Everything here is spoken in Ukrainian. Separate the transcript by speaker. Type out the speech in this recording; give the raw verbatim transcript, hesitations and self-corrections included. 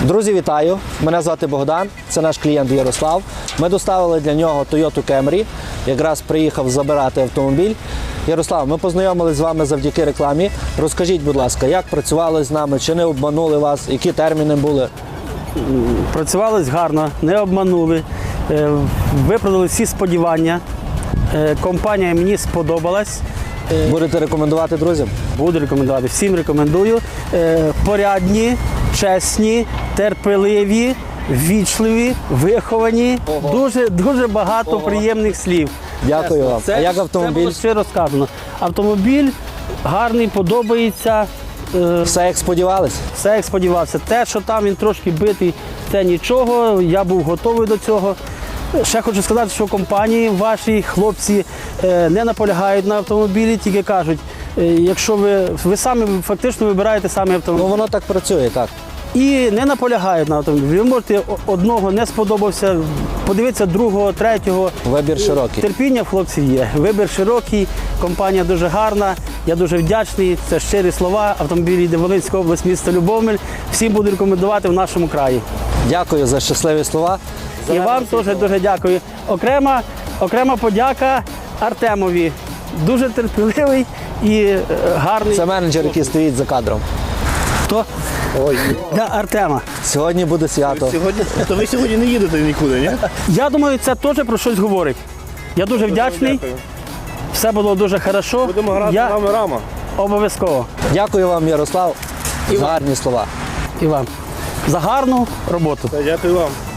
Speaker 1: Друзі, вітаю! Мене звати Богдан, це наш клієнт Ярослав. Ми доставили для нього Toyota Camry, якраз приїхав забирати автомобіль. Ярослав, ми познайомилися з вами завдяки рекламі. Розкажіть, будь ласка, як працювали з нами, чи не обманули вас, які терміни були?
Speaker 2: Працювали гарно, не обманули, виправдали всі сподівання. Компанія мені сподобалась.
Speaker 1: Будете рекомендувати друзям?
Speaker 2: Буду рекомендувати, всім рекомендую. Порядні, чесні, терпеливі, ввічливі, виховані. Дуже, дуже багато Ого. приємних слів.
Speaker 1: Дякую
Speaker 2: Чесно.
Speaker 1: вам.
Speaker 2: Це,
Speaker 1: а як автомобіль?
Speaker 2: Це було щиро сказано. Автомобіль гарний, подобається.
Speaker 1: Все як сподівались?
Speaker 2: Все як сподівався. Те, що там він трошки битий, це нічого. Я був готовий до цього. Ще хочу сказати, що компанії ваші хлопці не наполягають на автомобілі, тільки кажуть, якщо ви, ви самі фактично вибираєте самі автомобіль.
Speaker 1: Ну воно так працює, так.
Speaker 2: І не наполягають на автомобілі. Ви можете одного не сподобався, подивитися другого, третього.
Speaker 1: Вибір широкий.
Speaker 2: Терпіння в хлопців є. Вибір широкий, компанія дуже гарна. Я дуже вдячний. Це щирі слова. Автомобіль йде Волинська область, місто Любомель. Всім буду рекомендувати в нашому краї.
Speaker 1: Дякую за щасливі слова.
Speaker 2: І вам теж дуже дякую. Окрема, окрема подяка Артемові. Дуже терпеливий і гарний.
Speaker 1: Це менеджер, який стоїть за кадром.
Speaker 2: Хто?
Speaker 3: Ой,
Speaker 2: Для Артема.
Speaker 1: Сьогодні буде свято.
Speaker 3: сьогодні, то ви сьогодні не їдете нікуди, ні?
Speaker 2: Я думаю, це теж про щось говорить. Я дуже вдячний.
Speaker 3: Дякую.
Speaker 2: Все було дуже добре.
Speaker 3: Будемо грати
Speaker 2: Я
Speaker 3: нами рама.
Speaker 2: обов'язково.
Speaker 1: Дякую вам, Ярослав, за гарні слова.
Speaker 2: І вам. За гарну роботу.
Speaker 3: Дякую вам.